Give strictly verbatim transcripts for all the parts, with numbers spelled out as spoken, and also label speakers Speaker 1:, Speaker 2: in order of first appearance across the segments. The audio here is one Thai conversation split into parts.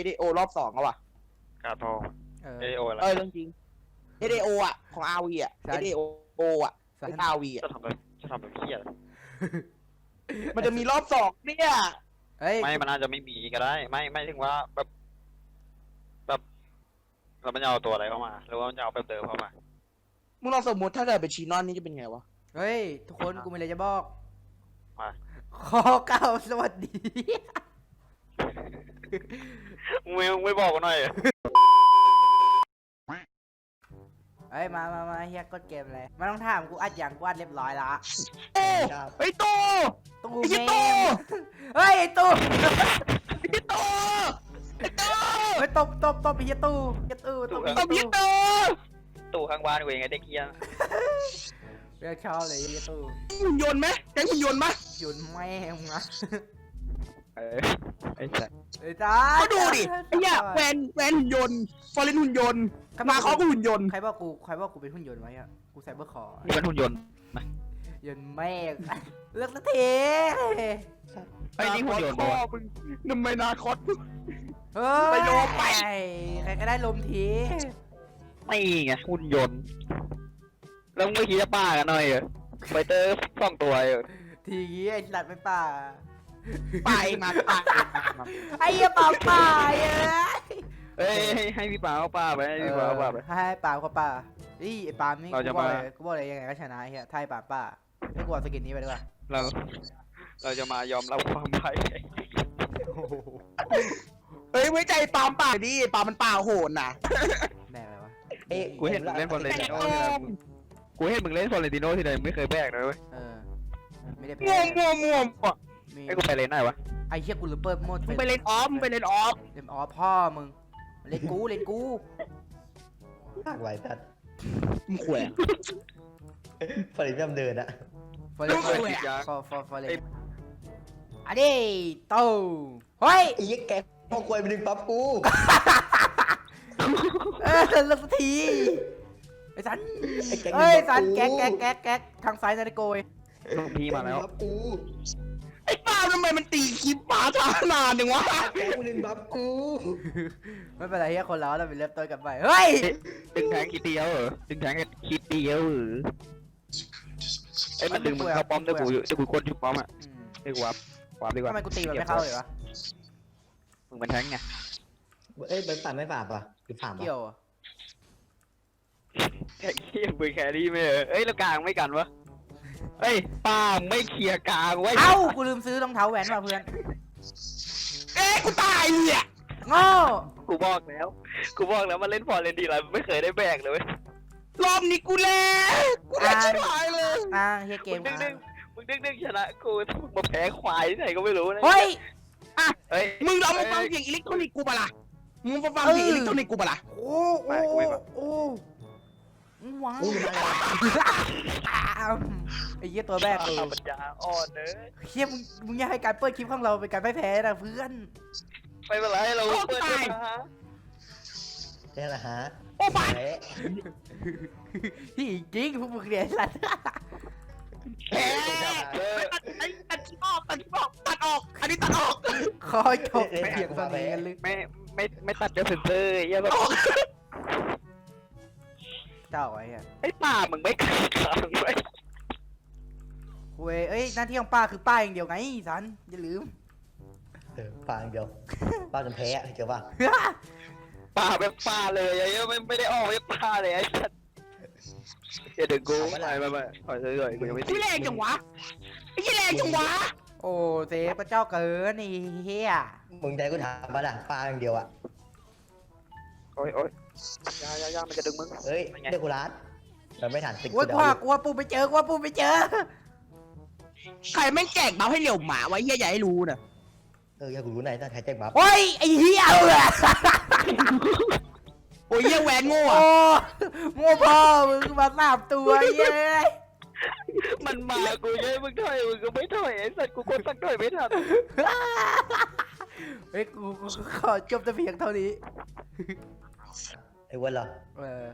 Speaker 1: เดโอรอบสองอะว่ะ
Speaker 2: กาโต
Speaker 3: เออ
Speaker 2: เอโออะไร
Speaker 1: เออเรื่องจริงเอเดโออะของอาวีอะเอเดโออะเป็นอาวีอะ
Speaker 2: จะทำแบบจะทำแบบเพี้ย
Speaker 1: มันจะมีรอบสองเนี่ย
Speaker 3: เฮ้ย
Speaker 2: ไม่มันอาจจะไม่มีก็ได้ ไม่ไม่ถึงว่าแบบแบบเราไม่เอาตัวอะไรเข้ามาหรือว่ามันจะเอาแบบเดิมเข้ามา
Speaker 1: มึงลองสมมติถ้าเกิดเป็นชีนอนนี่จะเป็นไงวะ
Speaker 3: เฮ้ยทุกคนกูมีอะไรจะบอก
Speaker 2: มา
Speaker 3: ขอเก้าสวัสดี
Speaker 2: มึงไม่มึงไม่บอกกันหน่อย
Speaker 3: เฮ้ยมามามาเฮียกดเกมเลยไม่ต้องถามกูอัดอย่างกูอัดเรียบร้อยละ
Speaker 1: โอ้ไอ้ตู้
Speaker 3: ตู้
Speaker 1: ไอ้
Speaker 3: เม
Speaker 1: ตู้
Speaker 3: มเฮ้ยไอ้ตู้
Speaker 1: ไอ้ตู้ไอ้ตู้
Speaker 3: เฮ้ยตบตบตบไอ้เฮียตู้เฮียตู้ตบไอ้
Speaker 1: ต
Speaker 3: เฮี
Speaker 1: บ
Speaker 3: ย
Speaker 1: ยี่
Speaker 3: ตู้
Speaker 1: ตู้
Speaker 2: ตู้ข้างบ้านกูเองไงเด็กเฮีย
Speaker 3: เรียกชอบเลยไอ้เฮียตู้
Speaker 1: หุ่นยนต์ไหมแก๊งหุ่นยนต์ไหม
Speaker 3: หยุดแม่งนะ
Speaker 2: เออไอ้สัส
Speaker 3: ไอ้จ้า
Speaker 1: ก็ดูดิไอ้เนี่ยแวนแวนหุ่นยนต์ฟอร์เรนหุ่นยนต์มาเขาก็หุ่นยนต์
Speaker 3: ใครบอกกูใครบอกกูเป็นหุ่นยนต์ไว้อะกูไซเบอร์คอร์
Speaker 2: นี่เป็นหุ่นยนต์
Speaker 3: ยนต์แม่งเลือกสักที
Speaker 2: ไอ้นี่หุ่นยนต์
Speaker 1: พ่อ
Speaker 2: ปะวะ
Speaker 1: มึงนุ่มไม่นาคอส
Speaker 3: เฮ้ย
Speaker 1: ไปโลมไป
Speaker 3: ใครก็ได้ลมที
Speaker 2: ไม่ไงหุ่นยนต์แล้วมึงไม่คิดจะป้ากันหน่อยเหรอไฟเตอร์สองตัวเหรอ
Speaker 3: ทีงี้ไอ้สัตว์ไม่ป่า
Speaker 1: ไปมาไปมา
Speaker 3: ไอ้เหี้ยป่าป่าเอ้ย
Speaker 2: เอ้ยให้ให้พี่ป้าเอาป้าไปให้พี่ป้าเอาป้าไป
Speaker 3: ให้ป่าเขาป่าอีไอ้ป่านี่
Speaker 2: เราจะ
Speaker 3: กูบอก
Speaker 2: มา
Speaker 3: เลยกูบอกเลยยังไงก็ชนะไอ้เฮียไทยป่าป่าไม่กลัวสกินนี้ไปด้วย
Speaker 2: เราเราจะมายอมรับความพ่าย
Speaker 1: เฮ้ยไว้ใจปาล์มป่าดิปาล์มมันป่าโหดน่ะ
Speaker 3: แม่อะไรวะ
Speaker 4: เอ้ย
Speaker 2: กูเห็นมึงเล่นฟอร์เรนติโน่ที่ไหนกูเห็นมึงเล่นฟอร์เรนติโน่ที่ไหนไม่เคยแบกเลยเว้ย
Speaker 3: เออไม่ได้
Speaker 1: มัวมัวมัวมัว
Speaker 3: มี
Speaker 2: ไอ้กูไปเล่นไหนวะ
Speaker 3: ไอ้เฮียกูลืมเปิดโหมด
Speaker 1: มึงไปเล่นออฟมึงไปเล่นออฟ
Speaker 3: เล่นอ๋อพ่อมึงเล่นกูเล่นกู
Speaker 4: ภาคไว้ตัด
Speaker 1: มึงขวย
Speaker 4: ฝริยำเดินอะ
Speaker 3: ฟอร์เรน
Speaker 1: กูแหวะ
Speaker 3: ฟอร์ฟอร์ฟอร์เรนอันนี้โตเฮ้ย
Speaker 4: ไอ้ยี่แกพอควยไปดึงปั๊บกู
Speaker 3: เออเลิกสักทีไอ้สัน
Speaker 4: ไอ้แก๊ง
Speaker 3: เอ้ย
Speaker 4: ดึงปั๊
Speaker 3: สั
Speaker 4: บ
Speaker 3: น
Speaker 4: กู
Speaker 3: แก๊กแก๊กแก๊กแก๊กทางซ้ายนาฬิโกย
Speaker 2: ลูกพี่มาแล้ว
Speaker 4: ปั๊บกู
Speaker 1: ไอ้ปาล์มทำไมมันตีคลิปป๋าช้านานจังวะ
Speaker 4: แกงดึงปั๊บกู
Speaker 3: ไม่เป็นไรเฮียคนเราเราเป็นเริ่มต้นกันใหม่เฮ้ย
Speaker 2: ดึงแทงคิดเดียวเหรอดึงแทงคิดเดียวเหรอไอ้มันดึงมึงเข้าป้อมได้กูได้กูกดชุบป้อมอ่ะ
Speaker 3: อืม
Speaker 2: ได้กูวับวับดีกว่า
Speaker 3: ทำไมกูตีมันไม่เข้าเลยวะ
Speaker 2: มึงเป็นแทงไง
Speaker 4: เอ้ยเป็นฝ่ายไม่ฝ่าป่ะหรือฝ่าป่ะ
Speaker 3: เกี่ยวอะ
Speaker 2: แค่เคียมึงแครี่ไม่เหรอเอ้ยแล้วกลางไม่กันวะเฮ้ยป้าไม่เคลียร์กลางไว้
Speaker 3: เอ้ากูลืมซื้อรองเท้าแหวนมาเพื่อน
Speaker 1: เอ้ยกูตายเนี่ย
Speaker 3: โง่
Speaker 2: กูบอกแล้วกูบอกแล้วมาเล่นฟอร์เรนดีไรไม่เคยได้แบกเลยเว้ย
Speaker 1: รอบนี้กูแล้กูแล้ชิบหายเลย
Speaker 3: อ่าเฮียเก
Speaker 2: มึ
Speaker 3: ม
Speaker 2: งดึงดึงมึงดึงดึงชนะกูถ้ามึงมาแพ้ควายที่ไหนก็ไม่รู้นะ
Speaker 3: เฮ้ย
Speaker 1: อ่ะ
Speaker 2: เฮ้ย
Speaker 1: มึงลองมาฟังเสียงอิเล็กทรอนิกส์กูปะล่ะมึงมาฟังเสียงอิเล็กทรอนิกส์กูปะล่ะ
Speaker 3: โอ้โอ้โอ้ว้าว
Speaker 4: กูมาแล้ว
Speaker 3: ไอ้เหี้ยตัวแรกเลย
Speaker 2: ปัญญาอ่อนเนอะ
Speaker 3: เฮียมึงมึงอยากให้การเปิดคลิปของเราเป็นการไม่แพ้นะเพื่อน
Speaker 2: ไม่เป็นไรเราเปิดได้นะฮะ
Speaker 4: นี่แหละฮะ
Speaker 1: โอ้ไป
Speaker 4: แพ้
Speaker 3: ที่จริงพวกมึงเนี่ยสัตว์
Speaker 1: แพ้ตัดไอ้ตัดที่ออกตัดที่ออกตัดออก อันนี้ตัดออก
Speaker 3: คอยจบเพียงเท่านี้กันเลย
Speaker 2: ไม่ไม่ไม่ตัดเดี๋ยวเซ็นเซอร์ไอ้เหี้ยแบบ
Speaker 3: เจ้าไอ้เหี้ย
Speaker 2: ไอ้ป่ามึงไม่กลางกลางไว้
Speaker 3: เว้ยเอ้ยหน้าที่ของป้าคือป้าอย่างเดียวไงสันอย่าลืม
Speaker 4: เออฝ่าอย่างเดียวป้าจนแพ้อะเจอป่ะ
Speaker 2: ป่าแบบป่าเลยไอ้เหี้ยไม่ไม่ได้ออกไม่ป่าเลยไอ้สัสเดี๋ยวกูไม่ไม่ไม่ถอยเลยกูยังไม่
Speaker 1: กูแรงจังวะไอ้ยี่แรงจังวะ
Speaker 3: โอ้เซฟพระเจ้าเกินนี่เฮีย
Speaker 4: มึงใจกูถามป่ะล่ะป้าอย่างเดียวอะ
Speaker 2: โอ้ยโอ้ยยายายามันจะดึงมึง
Speaker 4: เอ้ยเรียกกูร้านมันไม่ทันติด
Speaker 3: โอ้ยกลัวกลัวปูไปเจอกลัวปูไปเจอ
Speaker 1: ใครแม่งแจกเบาให้เหลี่ยวหมาไว้เหี้ยอย่าให้รู้นะ
Speaker 4: เอออยากกูรู้ไหนต้องใช้แจ็คบัฟ
Speaker 3: โอ้ยไอ้เฮียเออ
Speaker 1: โอ้ยเหี้ยแหวนโง่
Speaker 3: โอ้
Speaker 1: อะ
Speaker 3: โง่พ่อมึงมาสามตัวเย้ย
Speaker 2: มันมากูยัยมึงถอยมึงก็ไม่ถอยไอ้สัสกูกดตั้งถอยไม่ทัน
Speaker 3: เฮ้ยกูกูขอจบแต่เพียงเท่านี้
Speaker 4: ไอ้วันเหรอ
Speaker 3: เออ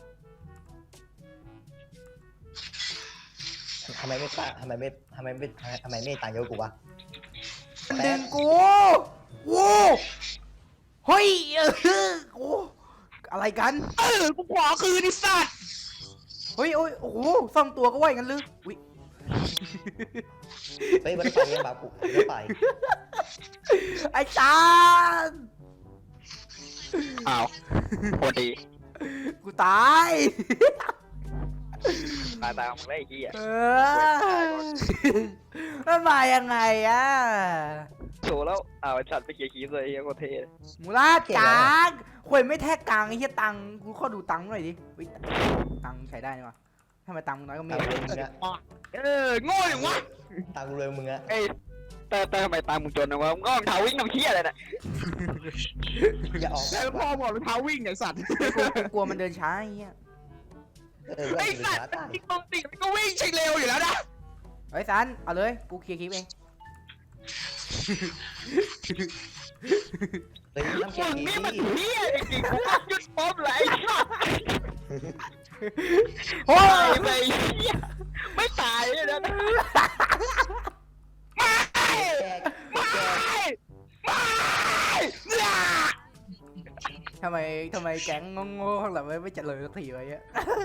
Speaker 4: ทำไมไม่ป้าทำไมไม่ทำไมไม่ทำไมไม่ต่างเยอะกูวะ
Speaker 3: มันดึงกูวู้โเฮ้ยเออโอ้อะไรกัน
Speaker 1: เออกูขอคืนไอ้สัตว์
Speaker 3: เฮ้ยโอ้ยโอ้โหซ่อมตัวก็ว่าอย่างนั้นหรืออุ๊ย
Speaker 4: เฮ้ยมันไปยังบาปุไม่ไป
Speaker 3: ไอ้จาน
Speaker 2: อ้าวโคตรดี
Speaker 3: กูตาย
Speaker 2: ตายตายมึงได้ไอ้เหี้ย
Speaker 3: เออมันมายังไงอะ
Speaker 2: โชว์แล้วอ้าวไอ้สัตว์ไปเกียร์คีบเลยไอ้เหี้ยโคตรเท่
Speaker 3: มูลาดจางควยไม่แทกกลางไอ้เหี้ยตังค์กูขอดูตังค์หน่อยดิอุ๊ยตังค์ใช้ได้นี่วะทำไมตังค์มึงน้อยก็
Speaker 4: ตั
Speaker 3: ไม่
Speaker 4: งค์รวยมึงอะ
Speaker 1: เออโง่อย่างวะ
Speaker 4: ตังค์รวยมึงอะ
Speaker 2: เอ้ยแต่แต่ทำไมตามมึงจนนะวะมึงก็รองเท้าวิ่งน้ำเหี้ยอะไรน่ะ
Speaker 4: อย่าออก
Speaker 1: แล้วพ่อบอกรองเท้าวิ่งไอ้สัตว์
Speaker 3: กูกูกลัวมันเดินช้าไอ้เหี้ย
Speaker 4: เออ
Speaker 1: ไอ้
Speaker 4: เพื่อน
Speaker 1: สัตว์
Speaker 4: ตาย
Speaker 1: ที่ตรงติมันก็วิ่งใช่เร็วอยู่แล้วนะ
Speaker 3: เฮ้ยซันเอาเลยกูเคลียร์คลิปเอง
Speaker 4: เฮ้ยน้ำเค็
Speaker 2: มึ
Speaker 4: ม
Speaker 2: ง
Speaker 4: ดี
Speaker 2: นี่มันเหี้ยจริงๆกูก็หยุดป๊อปเลยไอ้สัตว์
Speaker 3: โอ้
Speaker 2: ตาย ยไปไอ้เหี้ยไม่ตายเลยนะ
Speaker 1: ไม่
Speaker 4: แจก
Speaker 1: ไม่ไม่อย่า
Speaker 3: ทำไมทำไมแก๊งโง่ๆข้างหลังไม่ไม่เจริญสักทีวะเนี่ย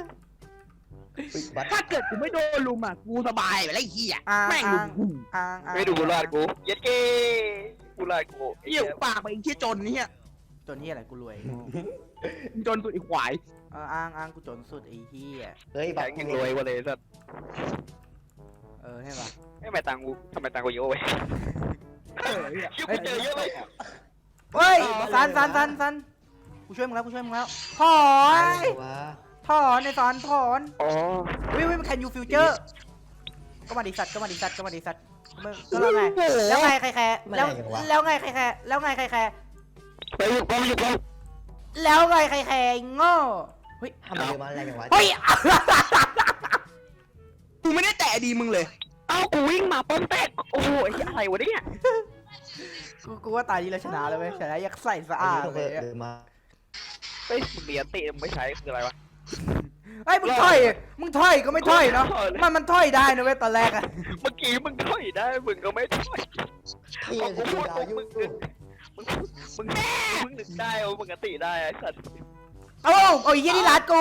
Speaker 4: บัตร
Speaker 1: ถ้าเกิดกูไม่โดนลุมอ่ะกูสบายไปแล้วไอ้เหี้ย
Speaker 3: อ่าง
Speaker 1: แม่งลุมกู
Speaker 3: อ่างอ่าง
Speaker 2: ไม่ดูกูรอดกูเย็ดเก้กูรอดกูไอ้
Speaker 1: เหี้
Speaker 2: เหี้
Speaker 1: ย
Speaker 2: ย
Speaker 1: ปากไปไอ้เหี้ยจนเนี่ย
Speaker 3: จนที่อะไรกูรวย
Speaker 1: จนสุดไอ้ควาย
Speaker 3: เอออ้างอ้างกูจนสุดไอ้เหี้ย
Speaker 4: เฮ้ยบั
Speaker 2: แข็
Speaker 4: ต
Speaker 2: ง
Speaker 4: ร
Speaker 2: ยังรวยกว่าเลยสัตว์
Speaker 3: เออใช่ปะ
Speaker 2: ไม่ทำไมตังกูทำไมตังกูเยอะเว้ย
Speaker 1: เออเหี้ย
Speaker 2: ชิวกูเจอเยอะเลย
Speaker 3: เฮ้ยซันซันซันซันกูช่วยมึงแล้วกูช่วยมึงแล้วถอ
Speaker 4: อะไร
Speaker 3: น
Speaker 4: วะ
Speaker 3: ถอนในซันถอน
Speaker 2: อ๋อ
Speaker 3: วิววิวมันแคนยูฟิวเจอร์ก็มาดิสัตว์ก็มาดิสัตว์ก็มาดิสัตว์มึงก็แล้วไงแล้วไงใครแคร์แล้วแล้วไงใครแคร์แล้วไงใครแคร์
Speaker 2: ไปหยุดกูหยุดกู
Speaker 3: แล้วไงใครแคร์โง่เฮ้ย
Speaker 4: ทำไมเรือมาแรงอย่างวะ
Speaker 3: เฮ้ย
Speaker 1: กูไม่ได้แตะดีมึงเลย
Speaker 2: เอ้ากูวิ่งมาป้อมแตกโอ้โหไอ้เหี้ยอะไรวะเนี่ย
Speaker 3: กูกูว่าตายดีแล้วชนะเลยเว้ยชนะยักใส่สะ
Speaker 4: อัน
Speaker 3: อาด
Speaker 4: นี้ต้อง
Speaker 3: เลย
Speaker 4: เรือมา
Speaker 2: เฮ้ยมึงเรียนติมึงไม่ใช้คืออะไรวะ
Speaker 3: เฮ้ยมึงถอยมึงถอยก็ไม่ถอยเนาะมันมันถอยได้นะเว้ยตอนแรกอะ
Speaker 2: เมื่อกี้มึงถอยได้มึงก็ไม่ถอย
Speaker 4: พี่ยังจะดูดาวอยู่
Speaker 2: มึงมึงมึงมึงนึกได้โอ้มึงกติได้ไอ้สัตว์
Speaker 3: เอ้าเอาไอ้เหี้ยนี่รัดกู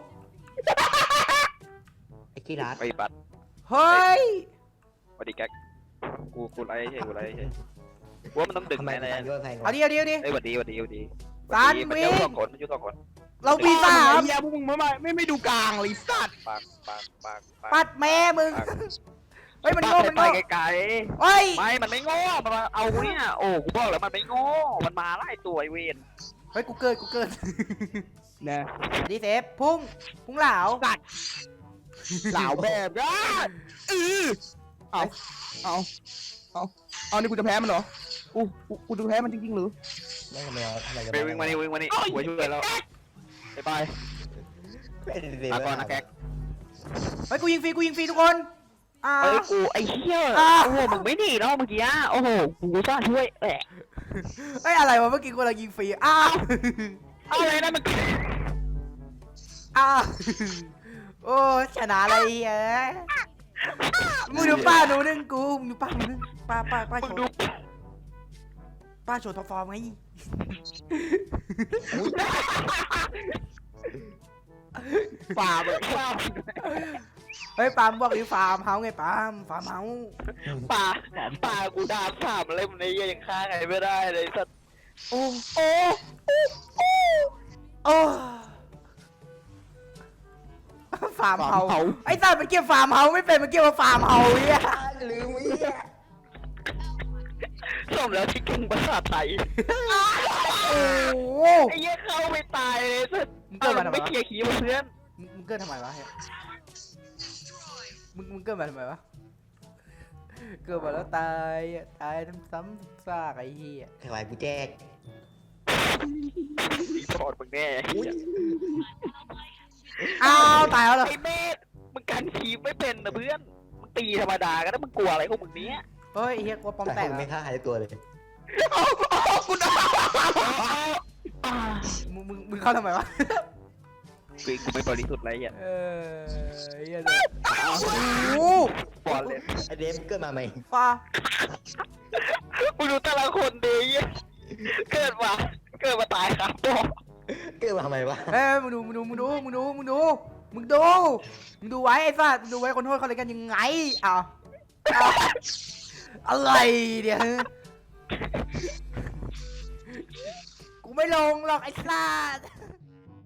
Speaker 4: ไอ้ขี้รัด
Speaker 2: ไอ้บัตร
Speaker 3: เฮ้ย
Speaker 2: สวัสดีแก๊กกูกูไล่ใช่กูไล่ใช่กูว่ามันต้องดึง
Speaker 4: ทำไม
Speaker 2: แน่
Speaker 4: ตังค์เยอะแพง
Speaker 3: เอา
Speaker 4: วะ
Speaker 3: ดิเอาดิเอาดิ
Speaker 2: ๆเอ้ยสวัสดีสวัสดีสวัสดี
Speaker 3: ตาน
Speaker 2: มัน
Speaker 3: วิ่
Speaker 2: ยุ่
Speaker 3: ง
Speaker 2: งสองคนมันยุ่งสองคน
Speaker 3: เราปีสาม
Speaker 1: ไอ้เหี้ยพวกมึงไม่ไม่ไม่ดูกลางเลยไอ้สัตว์
Speaker 2: ปากปากปากปาก
Speaker 3: ปัดแม่มึง
Speaker 2: ปาก
Speaker 3: เฮ้ยมันโง่มัน
Speaker 2: ไป
Speaker 3: โง่
Speaker 2: ไกล
Speaker 3: เฮ้ย
Speaker 2: ๆไม่มันไม่โง่มันมาเอาเนี่ยโอ้กูบอกแล้วมันไม่โง่มันมาไล่ตัวไอเวน
Speaker 3: เฮ้ยกูเกิดกูเกิด
Speaker 1: นะ
Speaker 3: ดีเซฟพุ่งพุ่งเหลา
Speaker 1: เหล่าแบบก็เออเอาเอาเอาเอานี่กูจะแพ้มันเหรอกูกูกูจะแพ้มันจริงๆหรือ
Speaker 4: ไม่ทำไมเอาอะไรกัน
Speaker 2: ไปวิ่งมานี่วิ่งมานี่หัวช่วยแล้วไปไป
Speaker 4: ไม่ได้เรีย
Speaker 2: มาก่อนนะแก๊ก
Speaker 3: เฮ้ยกูยิงฟรีกูยิงฟรีทุกคน อ่า
Speaker 2: เอ้ยกูไอ้เหี้ย
Speaker 3: อ่า
Speaker 2: โอ้โหมึงไม่หนีเนาะเมื่อกี้โอ้โหกูซ่าช่วยแอะ
Speaker 3: เฮ้ยอะไรวะเมื่อกี้กูกำลังยิงฟรีอ้าว
Speaker 2: เอาเลยนะมึง
Speaker 3: อ้าวโอ้ชนะอะไรเฮ้ยมึงดูป้าหนูนึงกูมึงดูป้าหนูนึงป้าป้าป้า
Speaker 2: มึ
Speaker 3: โช
Speaker 2: งดู
Speaker 3: ว์ป้าโชว์ท็อปฟอร์มไง
Speaker 1: ฝ่าแบบ
Speaker 2: ฟาร์ม
Speaker 3: เฮ้ยปาล์มบอกดิฟาร์มเฮาไงปาล์มฟาร์มเฮา
Speaker 2: ป่าป่ากูด่าสามอะไรมันในเหี้ยยังฆ่าใครไม่ได้เลยสัตว์
Speaker 3: โอ้โอ้โอ้ฟาร์มเฮาไอ้สัตว์มันเกี่ยวฟาร์มเฮาไม่เป็นมันเกี่ยวกับฟาร์มเฮาเนี่ย
Speaker 4: ลืมวิ่ง
Speaker 2: สมแล้วที่เก่งภาษาไทย
Speaker 3: โอ้โห
Speaker 2: ไอ้เหี้ยเข้าไม่ตายเลยสัตว์
Speaker 3: มึงเกิดมาทำไม
Speaker 2: ไม่
Speaker 3: วะ
Speaker 2: เคลียร์ขี้มาเพื่อน
Speaker 3: มึงมึงเกิดทำไมวะเฮ้ยมึงมึงเกิดมาทำไมวะเกิดมาแล้วตายตายซ้ำซ้ำซากไอ้เหี้ย
Speaker 4: ถวายกูแจก
Speaker 2: รีพอร์ตมึงแน่ไอ้เหี้ย
Speaker 3: อ้าวตายแล้วเหรอ
Speaker 2: ไอ้เมธมึงกันทีมไม่เป็นนะเพื่อนมึงตีธรรมดาก็ได้มึงกลัวอะไรของมึงเนี้ย
Speaker 3: เฮ้ยไอ้เหี้ยกลัวปอม
Speaker 4: แต่
Speaker 3: แตก
Speaker 4: คุณ
Speaker 3: อะ
Speaker 4: ไม่ฆ่าหายตัวเลย
Speaker 1: กูด่า
Speaker 3: มึงมึงมึงเข้าทำไมวะ
Speaker 2: กูกูไม่บริสุทธิ์อะไรเหี้ย
Speaker 3: เออไอ้เหี้ยเลยโอ้
Speaker 2: บอลเลย
Speaker 4: ไอเดมเกิดมาใหม่
Speaker 3: ฟ้า
Speaker 2: มึงดูแต่ละคนดีเหี้ยเกิดมาเกิดมาตายครับพ่อ
Speaker 4: เกิดมาทำไมวะ
Speaker 3: เฮ้ยมึงดูมึงดูมึงดูมึงดูมึงดูมึงดูมึงดูไว้ไอ้สัสมึงดูไว้คนโทษเขาเลยกันยังไงอ้าวอ้าวอะไรเดี๋ยวกูไม่ลงหรอกไอ้สัส